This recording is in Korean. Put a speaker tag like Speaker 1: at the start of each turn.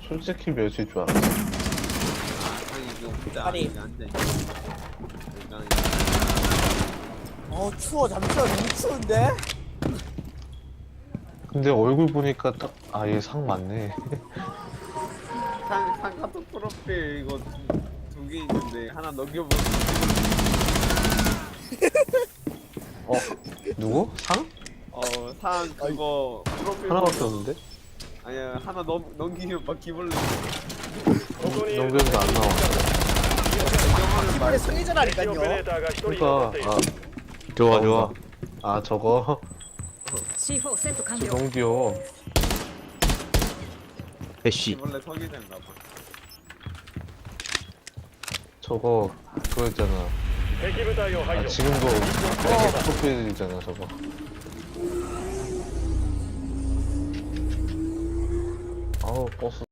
Speaker 1: 솔직히 몇일 줄 알았어.
Speaker 2: 아니 이거 혼자
Speaker 3: 아니.
Speaker 2: 안에 앉아있네.
Speaker 3: 추워. 잠시만. 너무 추운데?
Speaker 1: 근데 얼굴 보니까 딱, 아, 얘 상 맞네.
Speaker 2: 상카토 프로필 이거 두 개 있는데 하나 넘겨보면
Speaker 1: 누구? 상?
Speaker 2: 상 그거 프로필
Speaker 1: 하나밖에
Speaker 2: 보면-
Speaker 1: 없는데?
Speaker 2: 아니야 하나 넘기면 막 기벌레
Speaker 1: 넘겼는데 안 나와.
Speaker 3: 이번에 승리자라니까요.
Speaker 1: 그러니까, 아, 좋아, 좋아. 아, 저거,
Speaker 4: C4 セット完了
Speaker 1: 너무 귀여워.
Speaker 5: 애쉬.
Speaker 2: 기벌레 서기자인가 봐.
Speaker 1: 저거, 그거 있잖아. 아, 지금도 프로필이잖아, 저거. 아우, 버스.